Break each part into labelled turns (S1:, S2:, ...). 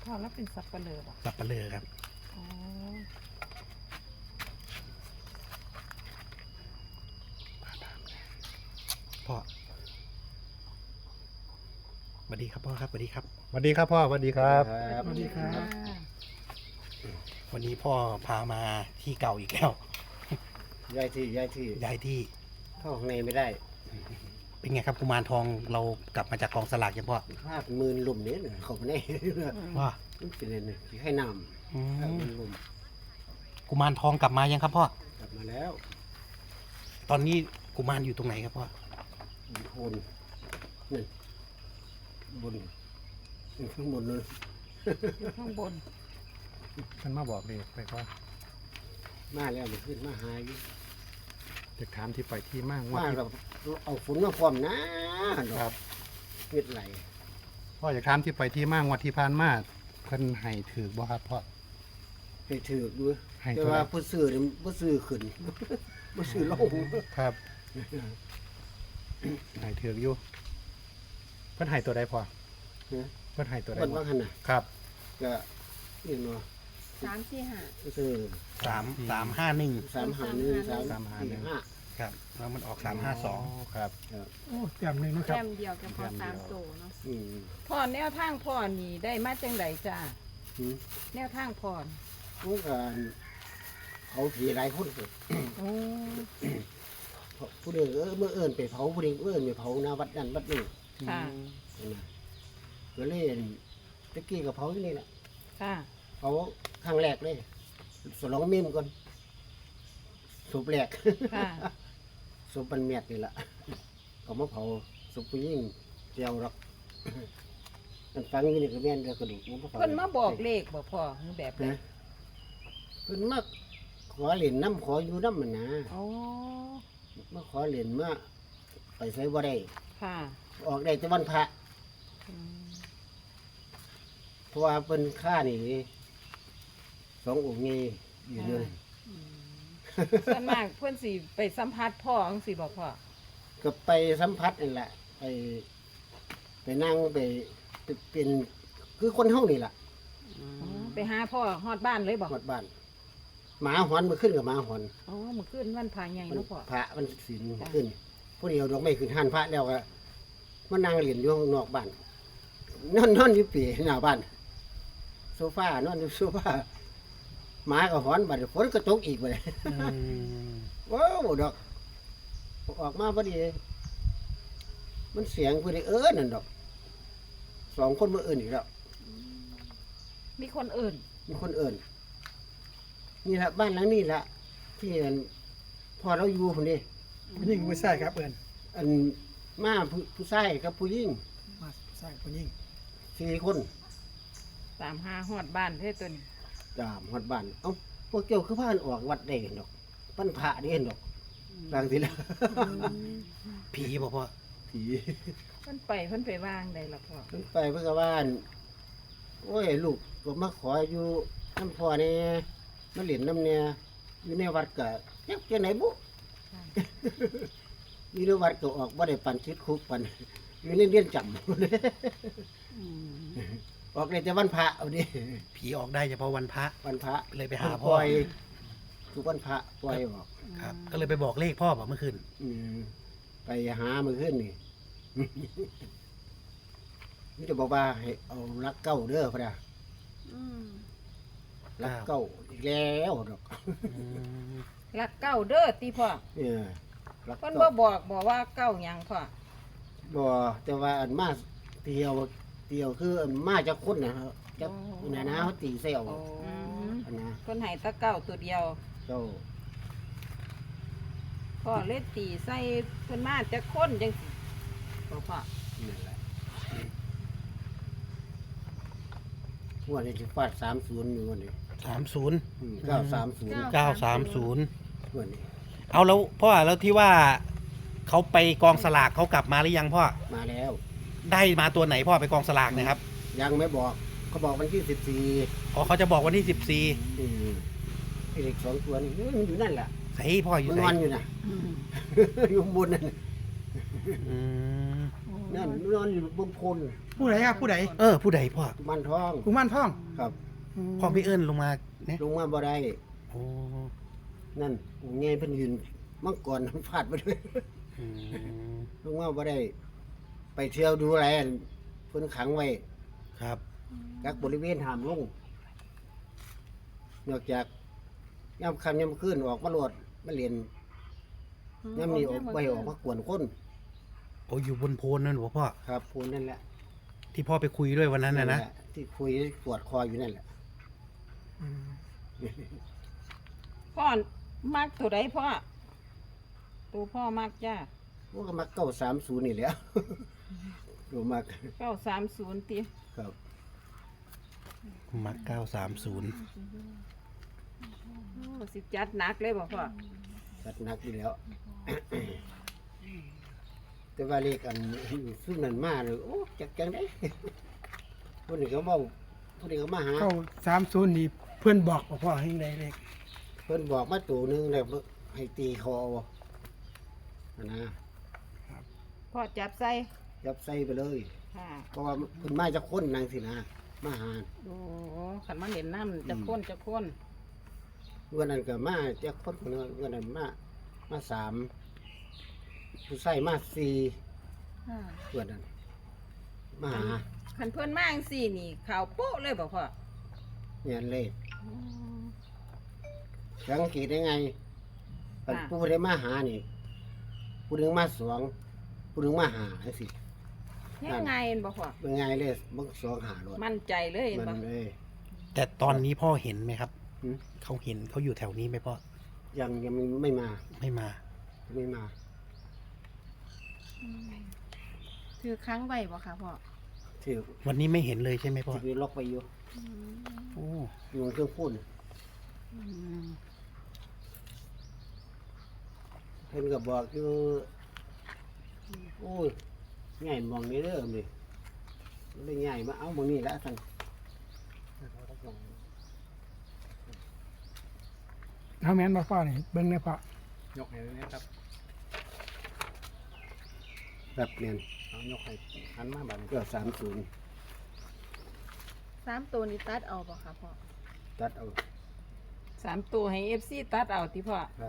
S1: พ่อแล้วเป็นสับปะเลอป่ะ
S2: สับปะเลอครับ
S1: อ๋อ
S2: พ่อสวัสดีครับพ่อครับสวัสดีครับ
S3: สวัสดีครับพ่อสวัสดีครับ
S1: สวัสดีค่ะ
S2: วันนี้พ่อพามาที่เก่าอีกแล้ว
S4: ย้ายที่
S2: ย้ายที่
S4: เข้าข้างในไม่ได้
S2: เป็นไงครับกุมารทองเรากลับมาจากกองสลากยังพ่อ
S4: ภาพมืนลุ่มเนี่ยเขาไม่ได้
S2: ว่า
S4: มันเป็นอะไรเนี่ยที่ให้น้
S2: อื
S4: ำภาพ
S2: ม
S4: มืนลุ่ม
S2: กุมารทองกลับมายังครับพ่อก
S4: ลับมาแล้ว
S2: ตอนนี้กุมารอยู่ตรงไหนครับพ่อ
S4: บนนี่บนข้างบนนู่น
S1: ข้างบน
S3: ท่านมาบอกเลยไปก็
S4: มาแล้วมันขึ้นมาหาอยู่
S3: จะถามที่ไปที่มากว่า
S4: มา
S3: ที่
S4: เราเอาฝนมาพร้อมนะครับ เม็ดไหล
S3: พ่ออยากถามที่ไปที่มากว่าที่ผ่านมาเพิ่นให้ถือบ่ครับพ่อ
S4: ให้ถือดู
S3: ให้
S4: แต่
S3: เท่าไหร่
S4: ว่าผู้ซื้อเนี่ยผู้ซื้อขึ้น ผู้ซื้อลง
S3: ครับให้ถืออยู่เพิ่นให้ตัวใดพ่อ
S4: เนี่ย
S3: เพิ่นให้ตัวใด
S4: คน
S3: บ่
S4: ว่าขนาด
S3: ครับ
S4: ก็เรียกเนาะ
S1: 3-4-5
S4: ผู้ซื้อ
S2: 351
S4: 351
S2: ครับแล้วมันออก352
S3: ครับ
S5: โอ้แต้มหนึ่งเนาะครับ
S1: แต้มเดียวก็พอ3ตัวเนาะ
S4: อืม
S1: พ่อแนวทางพ่อนี่ได้มาจังไดจ้า
S4: อืม
S1: แนวทางพ่อนี่
S4: พวกเขาผีหลายคนเกิด
S1: โอ้
S4: ผู้เดียวเมื่อเอิญไปเผาผู้เดียวเอิญไปเผาหนาวัดนั่นวัดนี้
S1: ค่ะ
S4: นะก็เล่นตะกี้กับเผาที่นี่แหละ
S1: ค่ะ
S4: เผาครั้งแรกเลยสลองมิมก่อนสุบแรก
S1: ค่ะ
S4: สุบปันเมียดนี่แหละก็มาเผาสุบผู้ยิ่งเจียวรัก มันฟังอยู่นี่ก็แม่นเดียวกระดูกมันก็ฟัง
S1: เพิ่นมาบอกเลขบ่พ่อหรือแบบใด
S4: นะเพิ่นมาขอเหรียญน้ำขออยู่น้ำมันนะ
S1: อ๋อ
S4: มาขอเหรียญมาไปใช้บ่ได้
S1: ค่ะ
S4: ออกได้แต่วันพระ
S1: อืม
S4: เพราะว่าเป็นค่านี่สององค์นี้อยู่เลย
S1: ส่วนมากเพิ่นสิไปสัมภาษณ์พ่อจังซี่บ่พ่อ
S4: ก็ไปสัมผัสนี่แหละ ไปนั่งไปเป็นคือคนห้องนี่แหละ
S1: อ๋อไปหาพ่อฮอดบ้านเลยบ่
S4: หมดบ้านหมาหอนมาขึ้นกับหมาหอน
S1: อ๋อมื้อคืนวันพระใหญ่
S4: มัน
S1: เนาะพ่อ
S4: พระมันศีลขึ้นผู้เดียวดอกไม้ขึ้นหันพระแล้วก็มานั่งเรียนอยู่ข้างนอกบ้านนอนอยู่ปีหน้าบ้านโซฟานอนอยู่โซฟาหมาก็หอนบัดฝนก็ตกอีกไปเลย
S2: อืม
S4: ว้าวดอกออกมาพอดี มันเสียงพอดีนั่นดอกสองคนมาเอิญอีกแล้ว
S1: มีคนอื่น
S4: มีคนเอิญนี่แหละบ้านหลังนี้แหละที่อันพอเราอยู่คนนี้
S5: ผู้หญิงผู้ชายครับเอิญ
S4: อันมาผู้ชายกับผู้หญิง
S5: มาผู้ชายผู้หญิง
S4: 4 คน
S1: 35ฮอดบ้านเท่ตัวนี้
S4: จามหอดบ้านเอ้าพวกเจ้าคือพากันออกวัดได้ดอกปั้นพระได้ดอกบางทีแล้ว
S2: ผีบ่พ่อ
S4: ผี
S1: เพิ่นไปวางได้ล่ะพ่อ
S4: ขึ้นไปเพื่อบ้านโอ้ยลูกก็มาขออยู่น้ำพ่อเนี่ยมาเหรียญน้ำเนี่ยอยู่ในวัดก็ยักจะไหนบุ อยู่ในวัดก็ออกบ่ได้ปันชิดคุกปันอยู่ในเรียนจำ ออกได้แต่วันพระเอาดิ
S2: ผีออกได้เฉพาะวันพระ
S4: วันพระ
S2: เลยไปหา
S4: ป
S2: พ่อ
S4: ล่อยทุกวันพระปล่อยออก
S2: ครับ ก็เลยไปบอกเลขพ่อบอกเมื่อคืน
S4: อืมไปหามือขึ้นนี่ มันจะบอกว่าให้เอารักเก้าเด้อพระดา
S1: อืม
S4: รักเก้าอีกแล้วดอก
S2: อืม
S1: รักเก้าเด้อติพ่อ
S4: เนี่ยรัก
S1: เพิ่น
S4: เก้า
S1: บอกว่าเก้าหยังพ่อ
S4: บ่แต่ว่าอันมาเตียวคืออันมาจากคนนะครับจากนะนะเขาตีเซล
S1: อืม
S4: อันนะ
S1: เพิ่นให้แตะเก้าตัวเดียว
S4: เจ้า
S1: พ่อเลยตีใส่เพิ่นมาจากคนจังซี่บ่พ่อ
S4: นั่นแหละงวันนี้จะฟาด30อยู่วันนี้
S2: 30
S4: 930
S2: 930
S4: วันนี้
S2: เอาแล้วพ่อแล้วที่ว่าเขาไปกองสลากเขากลับมาหรือยังพ่อ
S4: มาแล้ว
S2: ได้มาตัวไหนพ่อไปกองสลากเนะครับ
S4: ยังไม่บอกเขาบอกวันที่14
S2: อ๋อเขาจะบอกวันที่
S4: อืมไอ้เด็ก2 ตัวนี่มันอยู่นั่นแหละ
S2: 14ใส่พ่ออยู่
S4: มัน
S2: ไหน
S4: นอนอยู่นะ อยู่ข้างบนนั่น
S2: อืม
S4: มนั่นนอนอยู่บนโพน
S5: ผู้ใดครับผู้ใด
S2: ผู้ใดพ่อ
S4: กุมันทอง
S5: กุมารทอง
S4: ครับ
S2: พ่อไม่เอิ้นลงมาเนี่ย
S4: ลงมาบ่ได้
S2: โอ้
S4: นั่นเงยเพิ่นยืนมังกรฟาดไปด้วย
S2: อืม
S4: ลงมาบ่ได้ ไปเที่ยวดูแลเพิ่นขังไว้
S2: ครับ
S4: กักบริเวณห้ามลงนอกจากย่ำค่ำย่ำคืนออกมาโหลดมาเรียนย่ำนี้ออกไปออกมากวนคน
S2: โอ้อยู่บนโพนนั่นเหรอพ่อ
S4: ครับพูนนั่นแหละ
S2: ที่พ่อไปคุยด้วยวันนั้นนะ
S4: แหลที่คุยปวดคออยู่นั่นแหละ
S1: พ่อมักตัวใดพ่อตัวพ่อมักจ้า
S4: พวกก็มา930นี่แหละ ดูมาก
S1: 930ติ
S4: ครับ
S2: มัก930
S1: โอ้สิจัดหนักเลยบ่พ่อ
S4: จัดหนักอยู่แล้ว แต่ว่าเลขอันซึ่งนั่นมาเลยโอ้จังได้ พวกนี้เขาบอกพวกนี้เขามาหา
S5: เข้า30นี่เพื่อนบอกบ่พ่อให้ได้เลข
S4: เพิ่นบอกมาตัวหนึงแล้วให้ตีคอเอานะ
S1: พ่อจับใส่
S4: ยับใส่ไปเลย
S1: ค่ะ
S4: เพราะว่าเพิ่นมาจากคนนางสินะมาหา
S1: โอ้ขันมาเห็นน้ำจะค้นจะค้น
S4: วันนั้นก็มาจากคนคนนึงวันนั้นมา3ผู้ใส่มา4วันนั้นมาหา
S1: ขันเพื่อนมาจั่งสี่นี่ข่าวโป๊ะเลยบ่พ่อ
S4: เนี่ยเลยสังเกตได้ไงผู้ใดมาหานี่ผู้หนึงมา2ผู้หนึงมาหาจังซี่
S1: ยังไงเห็นบ่พ่อ
S4: เป็นไงเลยบัก2หารถ
S1: มั่นใจเลยเห็น
S4: มั
S1: บ่
S4: นเลย
S2: แต่ตอนนี้พ่อเห็นไหมครับ
S4: หืม
S2: เขาเห็นเขาอยู่แถวนี้ไหมพ่อ
S4: ยังไม่มา
S2: ไม่มา
S4: ไม่มา
S1: ถือค้างไว้บ่ค่ะพ่อ
S4: ที่
S2: วันนี้ไม่เห็นเลยใช่ไหมพ่อ
S4: ที่ล็อกไปอยู่
S2: โอ้
S4: อยู่บนเครื่องพ่นเพิ่นก็บอกอยู่โอ้ยง่ายมองนี้เด้อนี่เลยง่ายมาเอามองนี้ละท่าน
S5: เอาแม่นบ่พ่อนี่เบิ่งได้พ่อย
S3: กให้เลยนะครับ
S4: แบบเนียน
S3: เอายกให้หันมาบัดนี้
S4: ก็30
S1: 3ตัวนี้ตัดเอาบ่ค่ะพ่อ
S4: ตัดเอา
S1: 3ตัวให้ FC ตัดเอาติพ่อ
S4: ครับ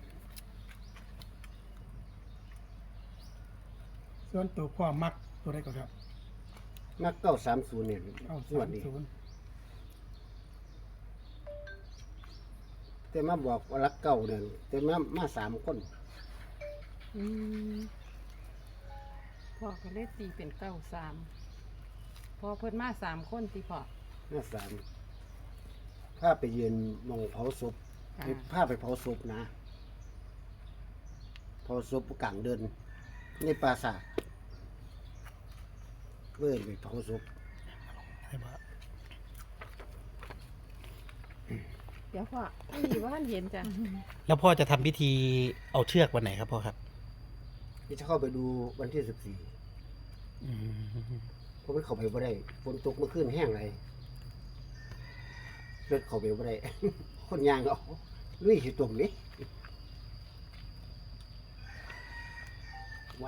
S5: ส่วนตัวพ่อมักตัวใดก็ครับ
S4: นัก930เนี่ยงวดนี้
S5: 930
S4: แต่มาบอกว่ารักเก่าเนี่ยแต่มา3คน
S1: อืมพ่อก็เลยตีเป็น93พอเพิ่นมา3คนติพ่อ
S4: มา3พาไปยืนมองเผาศพ
S1: ค่ะ
S4: พาไปเผาศพนะเผาศพกลางเดินในปราสาทเว้ยไปเผาศพ
S2: ให้พ่อ
S1: เดี๋ยวพ่อไม่มีว่าเห็นจ้ะ
S2: แล้วพ่อจะทำพิธีเอาเชือกวันไหนครับพ่อครับ
S4: ที่จะเข้าไปดูวันที่14
S2: อืม
S4: เพราะมันเข้าไปบ่ได้ฝนตกเมื่อคืนแห้งไรเลือดเข้าไปบ่ได้ คนยางก็เอาลุยอยู่ตรงนี้ไหว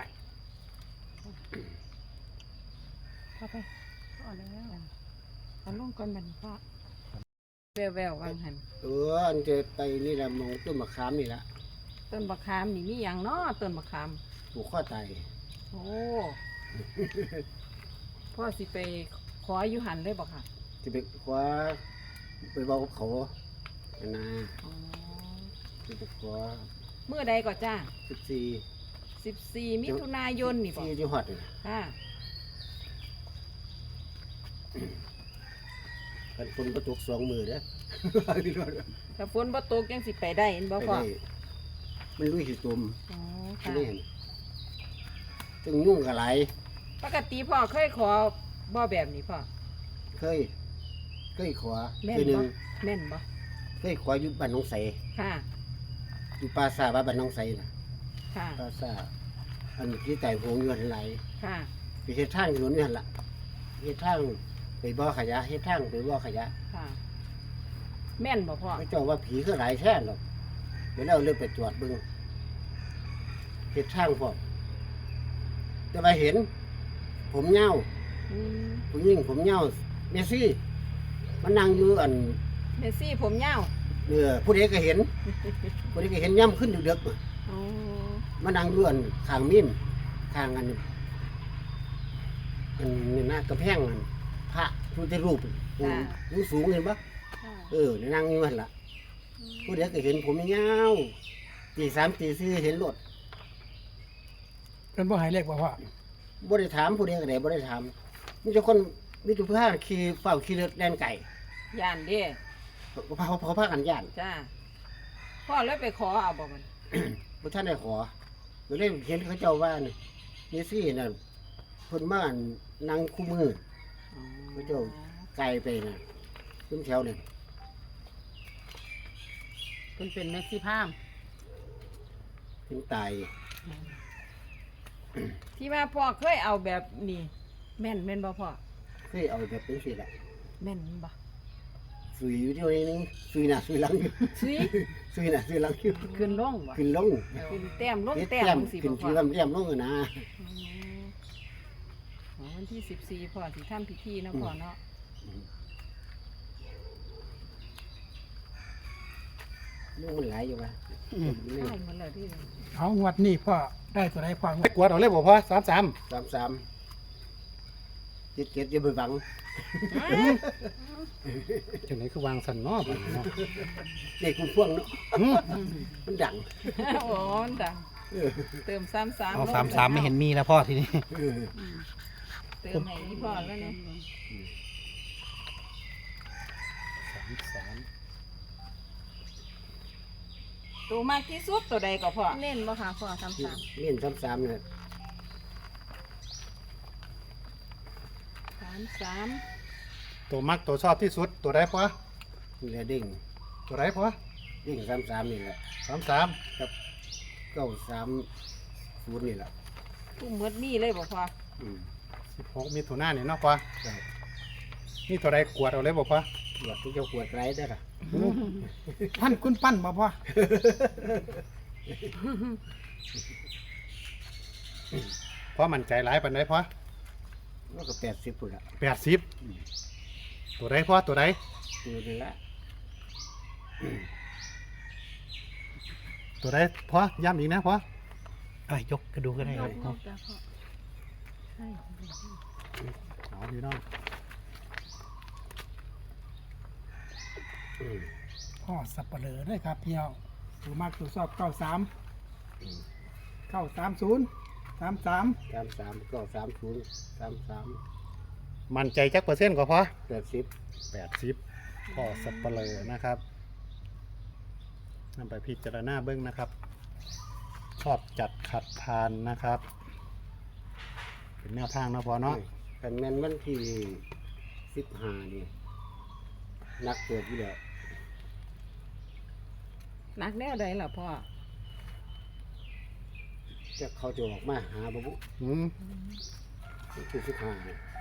S1: พ่อไปพ่อแล้วอันลงก่อนบัดนี้พ่อแววๆวางหัน
S4: อันจะไปนี่แหละมองต้นมะขามนี่ละ
S1: ต้นบักขามนี่มีหยังเนาะต้นบักขาม
S4: ผูกข้อตาย
S1: โอ้ พ่อสิไปขออยู่หันเลยบอกค่ะ
S4: จะไปคว้าไปบอกกับเขาอันนะ
S1: อ๋อ
S4: จะไปคว้า
S1: เมื่อใดก็จ้า
S4: 14
S1: 14 มิถุนายนนี่บอก
S4: ที่จังหวัดนี่นะ
S1: ค่ะ
S4: กันฝนประตก2 มือเด้อ
S1: ถ้าฝนบ่ตกยังสิไปได้เห็นบ่
S4: ไป
S1: พ่อ
S4: ได้มันลุยหิตุ่ม
S1: อ๋อ
S4: ที่
S1: ค่ะ
S4: นี่เห็นจึงยุ่งกับไหลาย
S1: ปกติพ่อเคยขอบ่แบบนี้พ่อ
S4: เคยขอ
S1: แม่น
S4: คือหนึ่
S1: บ่
S4: ง
S1: แม่นบ่
S4: เคยขออยู่บ้านหนองใส
S1: ค่ะ
S4: อยู่ปราสาทบ้านหนองใสน่ะ
S1: ค่ะ
S4: ปราสาทอันที่แต่หงอยู่หันไหล
S1: ค่ะ
S4: ไปเฮ็ดทางถนนนี่หั่นล่ะเฮ็ดทางไปบ่อขยะเฮ็ดทางไปบ่อขยะ
S1: ค่ะ แม่นบ่พ่อ
S4: เขาเจ้าว่าผีคือหลายแท้หรอกเดี๋ยวเราเลยไปตรวจเบิ่งเฮ็ดทางพร้อมแต่ว่าเห็นผมเงา
S1: อืม
S4: ผู้หญิงผมเงาเมสซี่มันนั่งอยู่อัน
S1: เมสซี่ผมยาว
S4: ผู้ใดก็เห็นผู้ใดก็เห็นย่ำขึ้นดึกๆ
S1: อ๋อ
S4: มันนั่งอยู่อันข้างมิมข้างอันนี่นะกระแพงอันพระพุทธรูปอยู่สูงเห็นปะ
S1: ค่ะ
S4: นั่งอยู่นั่นล่ะผู้ใดก็เห็นผมเงาตีสามตีสี่เห็นรถ
S5: เพิ่นบ่ให้เลขบ่พ่อ
S4: บ่ได้ถามผู้ใดก็ได้บ่ได้ถามมีแต่คนมีแต่ผู้พาขี่เฝ้าขี่รถแล่นไก่
S1: ย่านเด้
S4: เขาพากันย่าน
S1: จ้าพ่อเลยไปขอเอาบ่มัน
S4: บ่ท่านได้ขอก็เลยเห็นเขาเจ้าว่านี่ซี่น่ะเพิ่นมานั่งคู่มือ
S1: อ๋อ
S4: พระเจ้า ไกลไปน่ะขึ้นแถวนั่น
S1: เพิ่นเป็นเมสซี่พาม
S4: ถึงตาย
S1: ที่ว่าพ่อเคยเอาแบบนี้แม่นบ่พ่อ
S4: เคยเอาแบบเป็นสิล่ะ
S1: แม่นบ่
S4: สุยอยู่ที่นี่นึงสุยหน้าสุยหลังอยู่
S1: ซุย
S4: สุยหน้าสุยหลังอยู่
S1: ขึ้นลงบ่
S4: ขึ้นลง
S1: ขึ้นแต้มลง
S4: เฮ็ด
S1: แต้ม
S4: แต้ม
S1: จังซี่
S4: ขึ้น
S1: บ่พ่
S4: ที่
S1: อ
S4: ลำเลียมลงอะนะ
S1: อ๋อวันที่14พ่อสิทำพิธีเนาะพ่อเนาะ
S4: ลูกมันหลายอยู่ว่ะ
S1: ใช่หมดแล้วที่
S5: เอางวดนี้พ่อได้ตัวใดพ่องวด
S3: กวดเอาเลยบ่พ่อ33
S4: 33เจ็ดอย่าไปหวัง
S3: จังไหนคือวางสันเนาะบัดนี้เนาะ
S4: เด็กคุณพ่วงเนาะ
S3: หืม
S4: มันดัง
S1: โอ้มันดังเติม33
S2: เอา
S1: ลง
S2: 33ไม่เห็นมีแล้วพ่อทีนี้
S4: เออ
S1: เติมให้อีพ่อแล้วเนี่ย
S3: 33
S1: ตัวมากที่สุดตัวใดก็พ่อเน้นบ่ค่ะพ่อ33
S4: เล่น33เนี่ย
S1: 33
S3: ตัวมักตัวชอบที่สุดตัวใดพ่อ
S4: นี่แหละเด้ง
S3: ตัวใดพ่อ
S4: เด้ง33นี่แหละ
S3: 33
S4: กับ930นี่แหละ
S1: ตู้หมดมีเลยบ่พ่อ
S4: อืม
S3: 16มิถุนายนนี่เนาะพ่อ
S4: ใช่
S3: นี่ตัวใดกวดเอาเลยบ่พ่อ
S4: หลอดที่เจ้าขวดไรได้ล่ะ
S5: ท่านคุณปั้นบ่พ่อ
S3: พ่อมั่นใจหลายปานใดพ่อ
S4: แล้วก็80พุ่นละ
S3: 80ตัวใดพ่อตัวใด
S4: ตัวนี่ละ
S3: ตัวใดพ่อย้ำอีกนะพ่อย
S2: กกระดูกก็ได้ครับพ่อ
S1: จ้ะพ่อใช่
S3: เอาพี่น้อง
S5: พ่อสับปะเลอได้ครับพี่น้องตัวมากตัวชอบ93 930 33
S4: 33ก็30 33
S3: มั่นใจจักเปอร์เซ็นต์กว่าพ่อ
S4: 80
S3: 80พ่อสับปะเลอนะครับนำไปพิจารณาเบิ้งนะครับ ชอบจัดขัดทานนะครับ เป็นแนวทางเนาะพ่อเนาะ
S4: คันแม่นวันที่15นี่นักเกิดอยู่แล้ว
S1: นักแนวใดล่ะพ่อ
S4: จะเขาจะออกมาหาบ่บุ
S3: อืม
S4: วันที่15นี่